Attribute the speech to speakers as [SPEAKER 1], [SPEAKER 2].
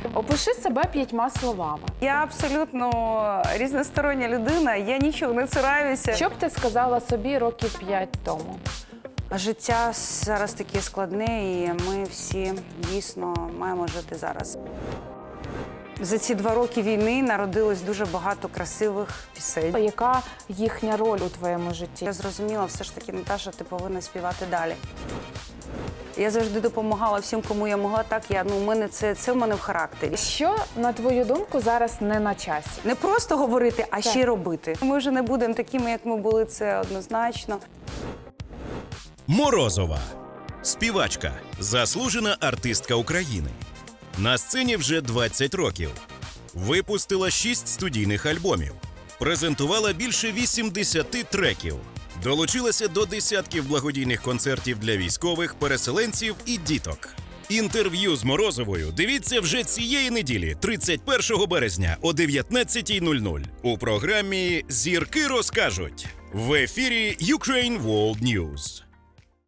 [SPEAKER 1] Опиши себе 5 словами.
[SPEAKER 2] Я абсолютно різностороння людина, я нічого не цураюся.
[SPEAKER 1] Що б ти сказала собі років 5 тому?
[SPEAKER 2] Життя зараз таке складне, і ми всі дійсно маємо жити зараз. За ці 2 роки війни народилось дуже багато красивих пісень.
[SPEAKER 1] Яка їхня роль у твоєму житті?
[SPEAKER 2] Я зрозуміла, все ж таки, Наташа, ти повинна співати далі. Я завжди допомагала всім, кому я могла. Так, це в мене в характері.
[SPEAKER 1] Що, на твою думку, зараз не на часі?
[SPEAKER 2] Не просто говорити, а
[SPEAKER 1] Так.
[SPEAKER 2] ще й робити. Ми вже не будемо такими, як ми були, це однозначно.
[SPEAKER 3] Морозова. Співачка, заслужена артистка України. На сцені вже 20 років. Випустила 6 студійних альбомів. Презентувала більше 80 треків. Долучилася до десятків благодійних концертів для військових, переселенців і діток. Інтерв'ю з Морозовою дивіться вже цієї неділі, 31 березня о 19:00 у програмі «Зірки розкажуть» в ефірі Ukraine World News.